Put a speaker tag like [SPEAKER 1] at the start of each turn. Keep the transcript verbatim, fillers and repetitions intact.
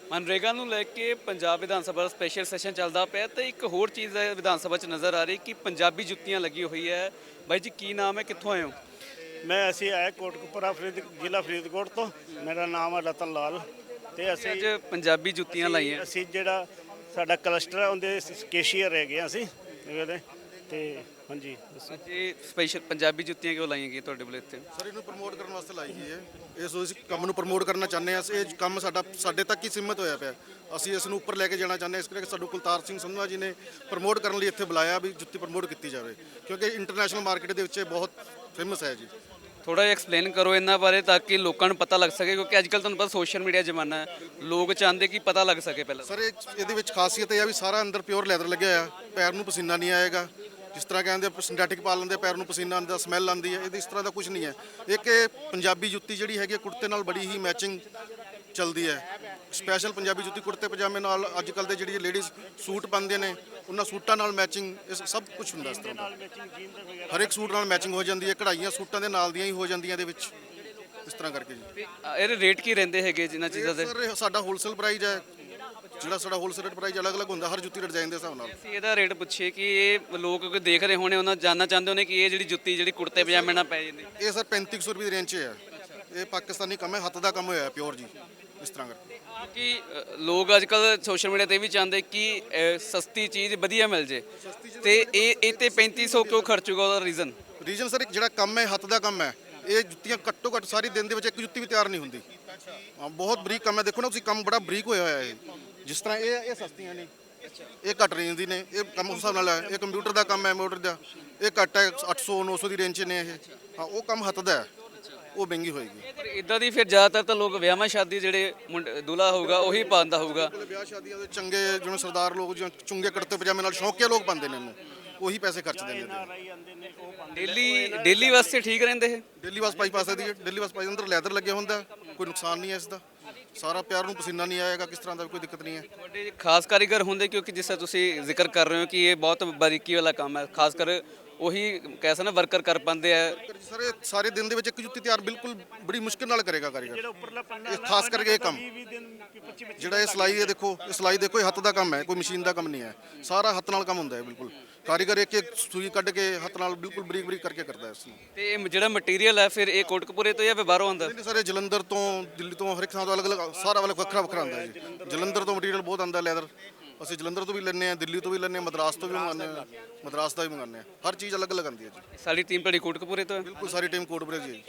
[SPEAKER 1] ਮਨਰੇਗਾ ਨੂੰ ਲੈ ਕੇ ਪੰਜਾਬ ਵਿਧਾਨ ਸਭਾ ਦਾ ਸਪੈਸ਼ਲ ਸੈਸ਼ਨ ਚੱਲਦਾ ਪਿਆ ਤੇ ਇੱਕ ਹੋਰ ਚੀਜ਼ ਹੈ ਵਿਧਾਨ ਸਭਾ 'ਚ ਨਜ਼ਰ ਆ ਰਹੀ ਕਿ ਪੰਜਾਬੀ ਜੁੱਤੀਆਂ ਲੱਗੀ ਹੋਈ ਹੈ। ਬਾਈ ਜੀ ਕੀ ਨਾਮ ਹੈ, ਕਿੱਥੋਂ ਆਏ ਹੋ?
[SPEAKER 2] ਮੈਂ ਅਸੀਂ ਆਏ ਕੋਟਕਪੂਰਾ ਫਰੀਦ ਜ਼ਿਲ੍ਹਾ ਫਰੀਦਕੋਟ ਤੋਂ। ਮੇਰਾ ਨਾਮ ਹੈ ਰਤਨ ਲਾਲ ਤੇ
[SPEAKER 1] ਤੁਸੀਂ
[SPEAKER 2] ਅਸੀਂ
[SPEAKER 1] ਅੱਜ ਪੰਜਾਬੀ ਜੁੱਤੀਆਂ ਲਾਈਆਂ।
[SPEAKER 2] ਅਸੀਂ ਜਿਹੜਾ ਸਾਡਾ ਕਲਸਟਰ ਹੈ ਉਹਦੇ ਕੇਸ਼ੀਅਰ ਹੈਗੇ ਹਾਂ ਅਸੀਂ ਇਹਦੇ ਤੇ ਹਾਂਜੀ ਦੱਸੋ।
[SPEAKER 1] ਅੱਜ ਇਹ ਸਪੈਸ਼ਲ ਪੰਜਾਬੀ ਜੁੱਤੀਆਂ ਕਿਉਂ ਲਾਈਆਂ ਗਈਆਂ ਤੁਹਾਡੇ ਕੋਲ ਇੱਥੇ?
[SPEAKER 3] ਸਰ ਇਹਨੂੰ ਪ੍ਰਮੋਟ ਕਰਨ ਵਾਸਤੇ ਲਾਈ ਗਈ ਹੈ। ਇਸ ਇਸ ਕੰਮ ਨੂੰ ਪ੍ਰਮੋਟ ਕਰਨਾ ਚਾਹੁੰਦੇ ਹਾਂ। ਇਹ ਕੰਮ ਸਾਡਾ ਸਾਡੇ ਤੱਕ ਹੀ ਸੀਮਿਤ ਹੋਇਆ ਪਿਆ। ਅਸੀਂ ਇਸ ਨੂੰ ਉੱਪਰ ਲੈ ਕੇ ਜਾਣਾ ਚਾਹੁੰਦੇ ਹਾਂ। ਇਸ ਕਰਕੇ ਸਾਨੂੰ ਕੁਲਤਾਰ ਸਿੰਘ ਸੰਧਵਾ ਜੀ ਨੇ ਪ੍ਰਮੋਟ ਕਰਨ ਲਈ ਇੱਥੇ ਬੁਲਾਇਆ ਵੀ ਜੁੱਤੀ ਪ੍ਰਮੋਟ ਕੀਤੀ ਜਾਵੇ, ਕਿਉਂਕਿ ਇੰਟਰਨੈਸ਼ਨਲ ਮਾਰਕੀਟ ਦੇ ਵਿੱਚ ਇਹ ਬਹੁਤ ਫੇਮਸ ਹੈ ਜੀ।
[SPEAKER 1] ਥੋੜਾ ਜਿਹਾ ਐਕਸਪਲੇਨ ਕਰੋ ਇਹਨਾਂ ਬਾਰੇ ਤਾਂ ਕਿ ਲੋਕਾਂ ਨੂੰ ਪਤਾ ਲੱਗ ਸਕੇ, ਕਿਉਂਕਿ ਅੱਜ ਕੱਲ੍ਹ ਤੁਹਾਨੂੰ ਪਤਾ ਸੋਸ਼ਲ ਮੀਡੀਆ ਜ਼ਮਾਨਾ ਹੈ, ਲੋਕ ਚਾਹੁੰਦੇ ਕਿ ਪਤਾ ਲੱਗ ਸਕੇ ਪਹਿਲਾਂ।
[SPEAKER 3] ਸਰ ਇਹ ਇਹਦੇ ਵਿੱਚ ਖਾਸੀਅਤ ਇਹ ਆ ਵੀ ਸਾਰਾ ਅੰਦਰ ਪਿਓਰ ਲੈਦਰ ਲੱਗਿਆ ਹੋਇਆ, ਪੈਰ ਨੂੰ ਪਸੀਨਾ ਨਹੀਂ ਆਏਗਾ। ਜਿਸ ਤਰ੍ਹਾਂ ਕਹਿੰਦੇ ਸਿੰਥੈਟਿਕ ਪਾ ਲੈਂਦੇ ਪੈਰ ਨੂੰ ਪਸੀਨਾ ਆਉਂਦਾ, ਸਮੈਲ ਆਉਂਦੀ ਹੈ, ਇਹਦੀ ਇਸ ਤਰ੍ਹਾਂ ਦਾ ਕੁਝ ਨਹੀਂ ਹੈ। ਇੱਕ ਇਹ ਪੰਜਾਬੀ ਜੁੱਤੀ ਜਿਹੜੀ ਹੈਗੀ ਕੁੜਤੇ ਨਾਲ ਬੜੀ ਹੀ ਮੈਚਿੰਗ ਚੱਲਦੀ ਹੈ। ਸਪੈਸ਼ਲ ਪੰਜਾਬੀ ਜੁੱਤੀ ਕੁੜਤੇ ਪਜਾਮੇ ਨਾਲ ਅੱਜ ਕੱਲ੍ਹ ਦੇ ਜਿਹੜੀ ਲੇਡੀਜ਼ ਸੂਟ ਪਾਉਂਦੇ ਨੇ ਉਹਨਾਂ ਸੂਟਾਂ ਨਾਲ ਮੈਚਿੰਗ ਇਸ ਸਭ ਕੁਝ ਹੁੰਦਾ ਇਸ ਤਰ੍ਹਾਂ ਦਾ। ਹਰ ਇੱਕ ਸੂਟ ਨਾਲ ਮੈਚਿੰਗ ਹੋ ਜਾਂਦੀ ਹੈ, ਕਢਾਈਆਂ ਸੂਟਾਂ ਦੇ ਨਾਲ ਦੀਆਂ ਹੀ ਹੋ ਜਾਂਦੀਆਂ ਇਹਦੇ ਵਿੱਚ, ਇਸ ਤਰ੍ਹਾਂ ਕਰਕੇ ਜੀ।
[SPEAKER 1] ਤੇ ਇਹਦੇ ਰੇਟ ਕੀ ਰਹਿੰਦੇ ਹੈਗੇ ਜਿਨ੍ਹਾਂ ਚੀਜ਼ਾਂ ਦੇ?
[SPEAKER 3] ਸਰ ਸਾਡਾ ਹੋਲਸੇਲ ਪ੍ਰਾਈਸ ਹੈ, ਜਿਹੜਾ ਸਾਡਾ ਹੋਲਸੇਲ ਪ੍ਰਾਈਸ ਅਲੱਗ-ਅਲੱਗ ਹੁੰਦਾ ਹਰ ਜੁੱਤੀ ਡਿਜ਼ਾਈਨ ਦੇ ਹਿਸਾਬ ਨਾਲ।
[SPEAKER 1] ਅਸੀਂ ਇਹਦਾ ਰੇਟ ਪੁੱਛੀਏ ਕਿ ਇਹ ਲੋਕ ਕੋਈ ਦੇਖ ਰਹੇ ਹੋਣੇ, ਉਹਨਾਂ ਜਾਨਣਾ ਚਾਹੁੰਦੇ ਹੋਣੇ ਕਿ ਇਹ ਜਿਹੜੀ ਜੁੱਤੀ ਜਿਹੜੀ ਕੁੜਤੇ ਪਜਾਮੇ ਨਾਲ ਪੈ ਜਾਂਦੀ।
[SPEAKER 3] ਇਹ ਸਰ ਪੈਂਤੀ ਸੌ ਰੁਪਏ ਦੀ ਰੇਂਜ 'ਚ ਹੈ। ਇਹ ਪਾਕਿਸਤਾਨੀ ਕੰਮ ਹੈ, ਹੱਥ ਦਾ ਕੰਮ ਹੋਇਆ ਪਿਓਰ ਜੀ, ਇਸ ਤਰ੍ਹਾਂ ਕਰਕੇ।
[SPEAKER 1] ਕਿ ਅ, ਲੋਕ ਅੱਜ ਕੱਲ ਸੋਸ਼ਲ ਮੀਡੀਆ ਤੇ ਵੀ ਚਾਹੁੰਦੇ ਕਿ ਅ, ਸਸਤੀ ਚੀਜ਼ ਵਧੀਆ ਮਿਲ ਜੇ, ਤੇ ਇਹ ਇਹ ਤੇ ਪੈਂਤੀ ਸੌ ਕਿਉਂ ਖਰਚੂਗਾ? ਉਹਦਾ ਰੀਜ਼ਨ
[SPEAKER 3] ਰੀਜਨ ਸਰ ਜਿਹੜਾ ਕੰਮ ਹੈ ਹੱਥ ਦਾ ਕੰਮ ਹੈ। ਇਹ ਜੁੱਤੀਆਂ ਘੱਟੋ ਘੱਟ ਸਾਰੀ ਦਿਨ ਦੇ ਵਿੱਚ ਇੱਕ ਜੁੱਤੀ ਵੀ ਤਿਆਰ ਨਹੀਂ ਹੁੰਦੀ। ਹਾਂ, ਬਹੁਤ ਬਰੀਕ ਕੰਮ ਹੈ। ਦੇਖੋ ਨਾ ਤੁਸੀਂ, ਕੰਮ ਬੜਾ ਬਰੀਕ ਹੋਇਆ ਹੋਇਆ ਹੈ। ਜਿਸ ਤਰ੍ਹਾਂ ਇਹ ਇਹ ਸਸਤੀਆਂ ਨੇ, ਇਹ ਘੱਟ ਰੇਂਜ ਦੀ ਨੇ। ਇਹ ਕੰਮ ਉਸ ਹਿਸਾਬ ਨਾਲ ਹੈ। ਇਹ ਕੰਪਿਊਟਰ ਦਾ ਕੰਮ ਹੈ, ਮੋਟਰ ਦਾ। ਇਹ ਘੱਟ ਹੈ, ਅੱਠ ਸੌ ਨੌ ਸੌ ਦੀ ਰੇਂਜ 'ਚ ਨੇ ਇਹ। ਹਾਂ, ਉਹ ਕੰਮ ਹੱਥ ਦਾ ਹੈ, ਉਹ ਮਹਿੰਗੀ ਹੋਏਗੀ।
[SPEAKER 1] ਪਰ ਇਦਾਂ ਦੀ ਫਿਰ ਜ਼ਿਆਦਾਤਰ ਤਾਂ ਲੋਕ ਵਿਆਹਾਂ ਸ਼ਾਦੀ ਜਿਹੜੇ ਮੁੰਡੇ ਦੁल्हा ਹੋਊਗਾ ਉਹੀ ਪਾਉਂਦਾ ਹੋਊਗਾ।
[SPEAKER 3] ਵਿਆਹ ਸ਼ਾਦੀਆਂ ਦੇ ਚੰਗੇ ਜਿਵੇਂ ਸਰਦਾਰ ਲੋਕ ਜਾਂ ਚੁੰਗੇ ਕੁੜਤੇ ਪਜਾਮੇ ਨਾਲ ਸ਼ੌਕੀਆ ਲੋਕ ਪਾਉਂਦੇ ਨੇ ਇਹਨੂੰ, ਉਹੀ ਪੈਸੇ ਖਰਚਦੇ ਨੇ ਇਹਦੇ।
[SPEAKER 1] ਡੇਲੀ ਡੇਲੀ ਵਾਸਤੇ ਠੀਕ ਰਹਿੰਦੇ ਇਹ?
[SPEAKER 3] ਦਿੱਲੀ ਬੱਸ ਪਾਈ ਪਾ ਸਕਦੀ ਹੈ। ਦਿੱਲੀ ਬੱਸ ਪਾਈ ਅੰਦਰ ਲੈਦਰ ਲੱਗਿਆ ਹੁੰਦਾ, ਕੋਈ ਨੁਕਸਾਨ ਨਹੀਂ ਹੈ ਇਸ ਦਾ। ਸਾਰਾ ਪਿਆਰ ਨੂੰ ਪਸੀਨਾ ਨਹੀਂ ਆਏਗਾ, ਕਿਸ ਤਰ੍ਹਾਂ ਦਾ ਵੀ ਕੋਈ ਦਿੱਕਤ ਨਹੀਂ ਹੈ।
[SPEAKER 1] ਤੁਹਾਡੇ ਖਾਸ ਕਾਰੀਗਰ ਹੁੰਦੇ, ਕਿਉਂਕਿ ਜਿਸ ਤਰ੍ਹਾਂ ਤੁਸੀਂ ਜ਼ਿਕਰ ਕਰ ਰਹੇ ਹੋ ਕਿ ਇਹ ਬਹੁਤ ਬਾਰੀਕੀ ਵਾਲਾ ਕੰਮ ਹੈ, ਖਾਸ ਕਰ ਉਹੀ ਕੈਸਾ ਨਾ ਵਰਕਰ ਕਰ ਪਾਉਂਦੇ ਆ।
[SPEAKER 3] ਸਰ ਇਹ ਸਾਰੇ ਦਿਨ ਦੇ ਵਿੱਚ ਇੱਕ ਜੁੱਤੀ ਤਿਆਰ ਬਿਲਕੁਲ ਬੜੀ ਮੁਸ਼ਕਿਲ ਨਾਲ ਕਰੇਗਾ ਕਾਰੀਗਰ।
[SPEAKER 2] ਜਿਹੜਾ ਉੱਪਰਲਾ ਪੰਨਾ
[SPEAKER 3] ਇਹ ਖਾਸ ਕਰਕੇ ਇਹ ਕੰਮ ਜਿਹੜਾ ਇਹ ਸਿਲਾਈ ਹੈ, ਦੇਖੋ ਇਹ ਸਿਲਾਈ ਦੇਖੋ, ਇਹ ਹੱਥ ਦਾ ਕੰਮ ਹੈ, ਕੋਈ ਮਸ਼ੀਨ ਦਾ ਕੰਮ ਨਹੀਂ ਹੈ। ਸਾਰਾ ਹੱਥ ਨਾਲ ਕੰਮ ਹੁੰਦਾ ਹੈ ਬਿਲਕੁਲ। ਕਾਰੀਗਰ ਇੱਕ ਇੱਕ ਸੂਈ ਕੱਢ ਕੇ ਹੱਥ ਨਾਲ ਬਿਲਕੁਲ ਬਰੀਕ ਬਰੀਕ ਕਰਕੇ ਕਰਦਾ ਹੈ ਇਸ ਨੂੰ।
[SPEAKER 1] ਤੇ ਇਹ ਜਿਹੜਾ ਮਟੀਰੀਅਲ ਹੈ ਫਿਰ ਇਹ ਕੋਟਕਪੂਰੇ ਤੋਂ ਜਾਂ ਫਿਰ ਬਾਹਰੋਂ ਆਉਂਦਾ?
[SPEAKER 3] ਨਹੀਂ ਸਾਰੇ ਜਲੰਧਰ ਤੋਂ, ਦਿੱਲੀ ਤੋਂ, ਹਰ ਇੱਕ ਥਾਂ ਤੋਂ ਅਲੱਗ ਅਲੱਗ ਸਾਰਾ ਵਾਲਾ ਵੱਖਰਾ ਵੱਖਰਾ ਆਉਂਦਾ ਹੈ ਜੀ। ਜਲੰਧਰ ਤੋਂ ਮਟੀਰੀਅਲ ਬਹੁਤ ਆਉਂਦਾ ਲੈਦਰ। ਅਸੀਂ ਜਲੰਧਰ ਤੋਂ ਵੀ ਲੈਂਦੇ ਹਾਂ, ਦਿੱਲੀ ਤੋਂ ਵੀ ਲੈਂਦੇ ਹਾਂ, ਮਦਰਾਸ ਤੋਂ ਵੀ ਮੰਗਾਉਂਦੇ ਹਾਂ, ਮਦਰਾਸ ਦਾ ਵੀ ਮੰਗਾਉਂਦੇ ਹਾਂ। ਹਰ ਚੀਜ਼ ਅਲੱਗ ਅਲੱਗ ਆਉਂਦੀ ਹੈ ਜੀ।
[SPEAKER 1] ਸਾਡੀ ਟੀਮ ਤੁਹਾਡੀ ਕੋਟਕਪੂਰੇ ਤੋਂ ਹੈ।
[SPEAKER 3] ਬਿਲਕੁਲ ਸਾਰੀ ਟੀਮ ਕੋਟਪੁਰੇ ਜੀ।